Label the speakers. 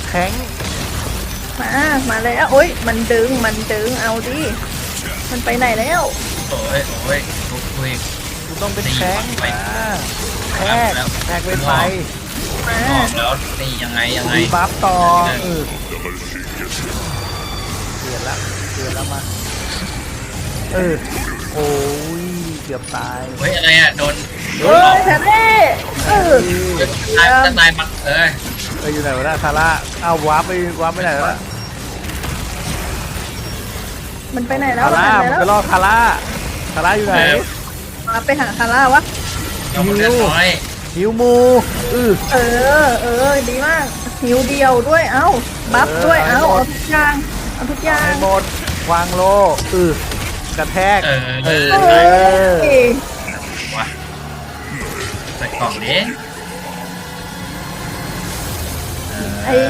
Speaker 1: แข็ง
Speaker 2: มาแล้วโอ้ยมันดึงเอาดิมันไปไหนแล้ว
Speaker 3: โอ้ยโอ้ยคุย
Speaker 1: กูต้องเป็นแข็งมาแทกแทกเป็นไฟ
Speaker 2: มา
Speaker 3: ออกแล้วนี่ยังไง
Speaker 1: มีบัฟต่อเปลี่ยนแล้วมาโอ้ยเกือบตาย
Speaker 3: เฮ้ยอะไรอ่ะโดน
Speaker 2: เฮ้ยแพทเต้
Speaker 3: ตายปัก
Speaker 1: อยู่ไหนวะน่ะทาร่าเอาวาร์ปไปไหนแล้ว
Speaker 2: มันไปไหนแล้ว
Speaker 1: ทาร่ามันไปรอทาร่าอยู่ไหน
Speaker 2: มาไปหาคาร่าวะ
Speaker 3: ยังเลือดน้อย
Speaker 1: หิวมู
Speaker 2: ดีมากหิวเดียวด้วยเอ้าบัฟด้วยเอาทุกอย่าง
Speaker 1: ให้หมดวางโลกระแทก
Speaker 3: ว่ะใส่กล่องนี้